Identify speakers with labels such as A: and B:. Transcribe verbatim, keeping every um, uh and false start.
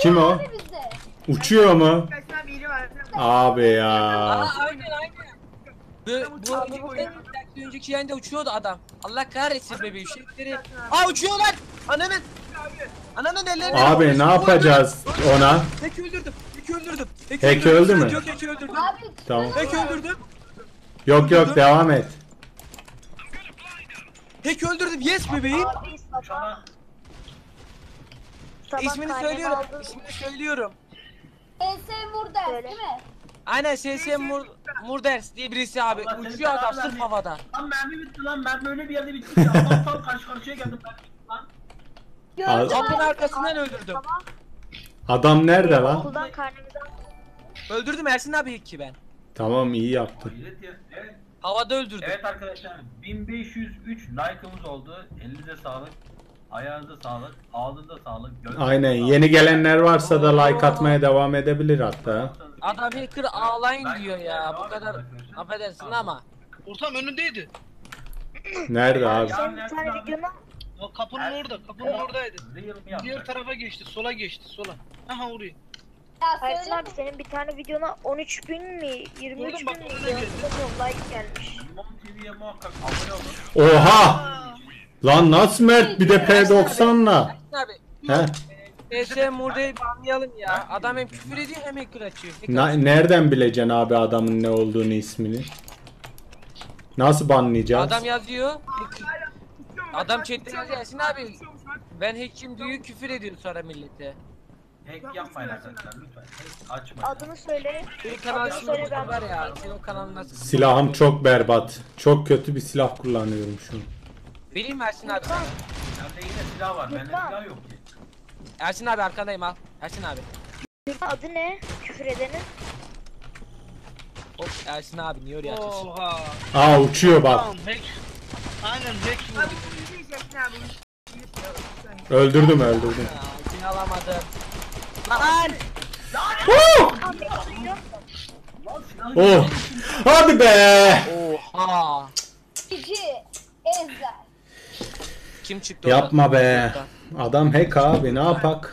A: Kim o?
B: Abi bizde.
A: Uçuyor mu?
C: Kaç tane biri var.
A: Abi ya.
D: Aa aynen aynen. Bu, bu, bu en bir önceki yayında uçuyordu adam. Allah kahretsin bebeğim şeyleri. Aa uçuyor lan. Ananın. Ananın ellerini.
A: Abi ne yapacağız ona?
D: Hack öldürdüm. Hack öldürdüm.
A: Hack öldü mü?
D: Yok hack öldürdüm.
B: Abi
A: Tamam.
D: Hack öldürdüm.
A: Yok yok devam et.
D: Hack öldürdüm. Yes bebeğim.
E: Abi sabah. Sabah
D: İsmini
E: karnemi
D: söylüyorum.
E: aldım.
D: İsmini söylüyorum.
B: E S Murder
E: Söyle.
B: değil mi?
D: Aynen S S Mur Murders diye birisi abi.
F: Allah seni
D: Uçuyor adam
F: belanı
D: sırf
F: vermesin.
D: havada.
F: Lan mermi bitti lan. Mermi öyle bir yerde bitti ki. Adam tam karşı karşıya geldim ben. Lan.
B: Gördüm
D: Kapının
B: abi.
D: arkasından öldürdüm.
A: Adam nerede lan?
E: Okuldan karnemizi aldım.
D: Öldürdüm Ersin abi ilk ki ben.
A: Tamam iyi yaptın.
F: Hayret ya. Evet.
D: Havada öldürdüm.
F: Evet arkadaşlar. bin beş yüz üç like'ımız oldu. Elinize sağlık. Ayağınıza sağlık. Ağzınıza sağlık. Gözünüze
A: Aynen
F: sağlık.
A: yeni gelenler varsa da like atmaya devam edebilir hatta.
D: Adam hacker ağlayın
F: Like
D: diyor
F: atmaya
D: ya.
F: devam
D: Bu kadar
F: edin arkadaşlar.
D: affedersin ama.
G: Ortam önündeydi.
A: Nerede abi?
E: Senin bir tane videonu
G: O kapının orada, kapının oradaydı.
F: Real mi yaptın?
G: Diğer tarafa geçti, sola geçti, sola. Aha oraya.
B: Ya
E: Ersin
B: söyle.
E: abi senin bir tane videona on üç bin mi yirmi üç
G: Vurdum bak,
E: bin mi
G: orada
E: diyor.
G: geldi.
E: Like gelmiş.
F: Limon T V'ye muhakkak abone olun.
A: Oha! Lan nasıl Mert bir de P doksanla?
D: Ersin abi.
A: He?
D: S S Murder'i banlayalım ya. Adam hem küfür ediyor hem hacker açıyor. Hacker
A: Na-
D: açıyor.
A: nereden bileceksin abi adamın ne olduğunu ismini? Nasıl banlayacağız?
D: Adam yazıyor. hacker- Adam chatte yazıyor Ersin abi. Ben hack'im diyor küfür ediyor sonra millete.
F: Hack yapmayın arkadaşlar lütfen. Hack açmayın.
E: Adını söyle.
D: Bir kanal
E: Adını söyle
D: şimdi
E: ben.
D: var ya. Senin o kanalın nasıl?
A: Silahım çok berbat. Çok kötü bir silah kullanıyorum şu an.
D: Bileyim mi Ersin abi?
F: Bende yine silah var. Bende
E: Lütfen.
F: silah yok ki.
D: Ersin abi arkandayım al. Ersin abi.
E: Adı ne? Küfür edenin.
D: Hop Ersin abi niye oraya atıyorsun?
G: Oha.
A: Aa uçuyor bak.
G: Tamam, hack. Aynen hack
C: Abi
G: vurdu.
C: bu yüzü Ersin abi. bu yüzü.
A: Öldürdüm öldürdüm.
D: Ya, seni alamadım. Lan!
F: Lan silah
A: Oh! Hadi be!
D: Oha!
B: Cici. Ezel.
D: Kim çıktı oradan?
A: Yapma be. Adam hack abi ne yapak?